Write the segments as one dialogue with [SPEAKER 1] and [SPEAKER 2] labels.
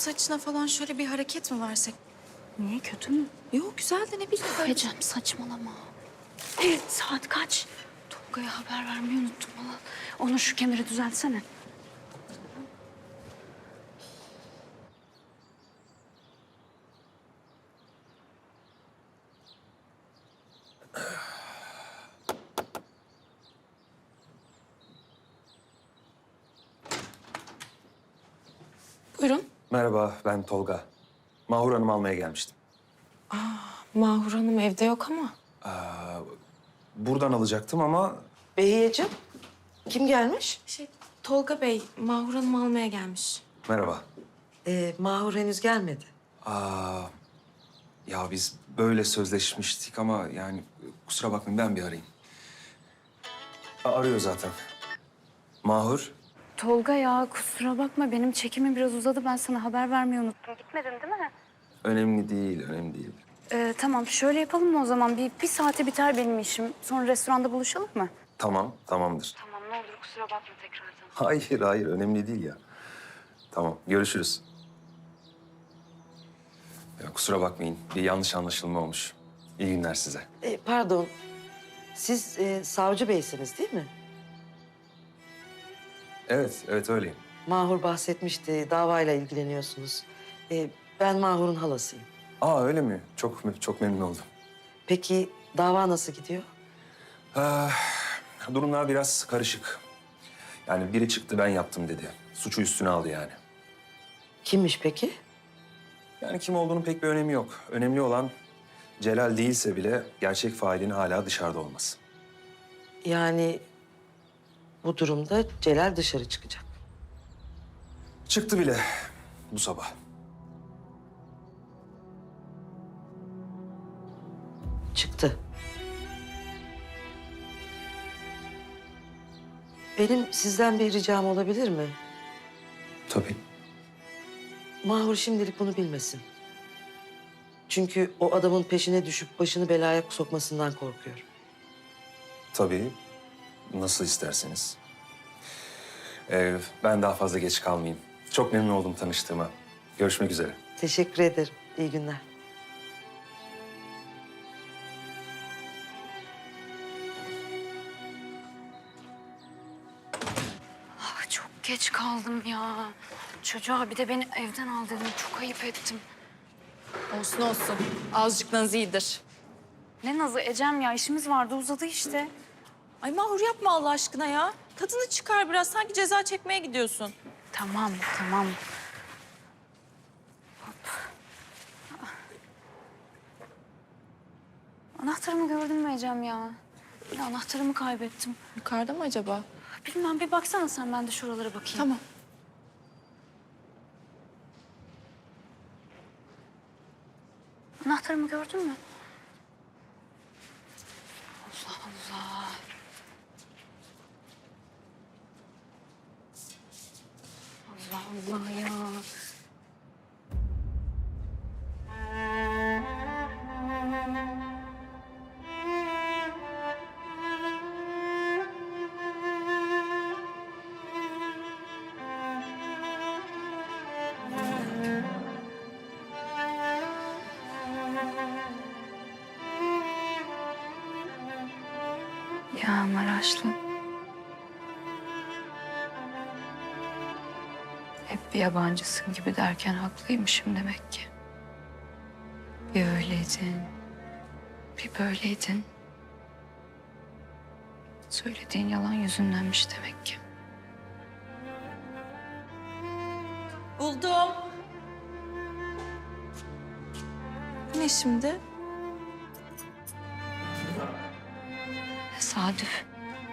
[SPEAKER 1] saçına falan şöyle bir hareket mi versek?
[SPEAKER 2] Niye, kötü mü?
[SPEAKER 1] Yok güzel de ne bileyim böyle.
[SPEAKER 2] Ecem saçmalama. Saat kaç? Tolga'ya haber vermeyi unuttum valla. Onu şu kemeri düzeltsene.
[SPEAKER 1] Buyurun.
[SPEAKER 3] Merhaba, ben Tolga. Mahur Hanım almaya gelmiştim.
[SPEAKER 1] Mahur Hanım evde yok ama.
[SPEAKER 3] Buradan alacaktım ama
[SPEAKER 4] Behiyeciğim, kim gelmiş?
[SPEAKER 1] Tolga Bey, Mahur Hanım almaya gelmiş.
[SPEAKER 3] merhaba.
[SPEAKER 4] Mahur henüz gelmedi.
[SPEAKER 3] Ya biz böyle sözleşmiştik ama yani kusura bakmayın ben bir arayayım. Arıyor zaten. Mahur,
[SPEAKER 2] Tolga ya kusura bakma benim çekimim biraz uzadı. Ben sana haber vermeyi unuttum. Gitmedin değil mi?
[SPEAKER 3] önemli değil, önemli değil.
[SPEAKER 2] Tamam şöyle yapalım mı o zaman? Bir saate biter benim işim. Sonra restoranda buluşalım mı?
[SPEAKER 3] Tamam, tamamdır.
[SPEAKER 2] Tamam ne olur kusura bakma tekrardan.
[SPEAKER 3] Hayır, hayır, önemli değil ya. Tamam, görüşürüz. Ya kusura bakmayın, bir yanlış anlaşılma olmuş. İyi günler size.
[SPEAKER 4] Pardon, siz savcı beysiniz değil mi?
[SPEAKER 3] Evet, evet öyleyim.
[SPEAKER 4] Mahur bahsetmişti, davayla ilgileniyorsunuz. Ben Mahur'un halasıyım.
[SPEAKER 3] Öyle mi? Çok memnun oldum.
[SPEAKER 4] Peki dava nasıl gidiyor?
[SPEAKER 3] Durumlar biraz karışık. Yani biri çıktı ben yaptım dedi. Suçu üstüne aldı yani.
[SPEAKER 4] Kimmiş peki?
[SPEAKER 3] Yani kim olduğunun pek bir önemi yok. Önemli olan Celal değilse bile gerçek failin hala dışarıda olması.
[SPEAKER 4] Yani bu durumda Celal dışarı çıkacak.
[SPEAKER 3] Çıktı bile bu sabah.
[SPEAKER 4] Çıktı. Benim sizden bir ricam olabilir mi?
[SPEAKER 3] Tabii.
[SPEAKER 4] Mahur şimdilik bunu bilmesin. Çünkü o adamın peşine düşüp başını belaya sokmasından korkuyorum.
[SPEAKER 3] Tabii. Nasıl isterseniz. Ben daha fazla geç kalmayayım. Çok memnun oldum tanıştığıma. Görüşmek üzere.
[SPEAKER 4] Teşekkür ederim. İyi günler.
[SPEAKER 2] Çok geç kaldım ya. Çocuğa bir de beni evden al dedim. Çok ayıp ettim.
[SPEAKER 1] Olsun olsun. Azıcık naz iyidir.
[SPEAKER 2] Ne nazı Ecem ya işimiz vardı uzadı işte.
[SPEAKER 1] Ay Mahur yapma Allah aşkına ya. Tadını çıkar biraz. Sanki ceza çekmeye gidiyorsun.
[SPEAKER 2] Tamam tamam. Hop. Anahtarımı gördün mü Ecem ya? Ya anahtarımı kaybettim.
[SPEAKER 1] Yukarıda mı acaba?
[SPEAKER 2] Bilmem bir baksana sen ben de şuralara bakayım.
[SPEAKER 1] Tamam.
[SPEAKER 2] Anahtarımı gördün mü? Allah Allah. Allah Allah ya. Ya Maraşlı. Hep bir yabancısın gibi derken haklıymışım demek ki. Bir öyleydin, bir böyleydin. Söylediğin yalan yüzündenmiş demek ki.
[SPEAKER 1] Buldum. Bu ne şimdi?
[SPEAKER 2] Tesadüf.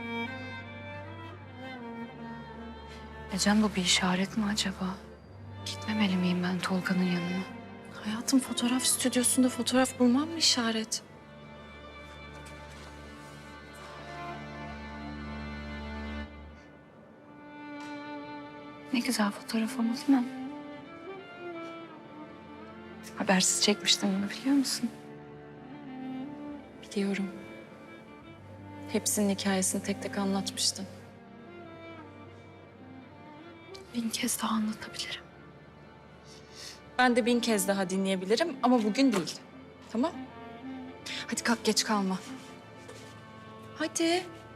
[SPEAKER 2] Ecem bu bir işaret mi acaba? Gitmemeli miyim ben Tolga'nın yanına?
[SPEAKER 1] Hayatım fotoğraf stüdyosunda fotoğraf bulmam mı işaret?
[SPEAKER 2] Ne güzel fotoğraf ama değil mi? Habersiz çekmiştim bunu biliyor musun?
[SPEAKER 1] Biliyorum. Hepsinin hikayesini tek tek anlatmıştın.
[SPEAKER 2] 1000 kez daha anlatabilirim.
[SPEAKER 1] Ben de 1000 kez daha dinleyebilirim ama bugün değil. Tamam? Hadi kalk, geç kalma. Hadi.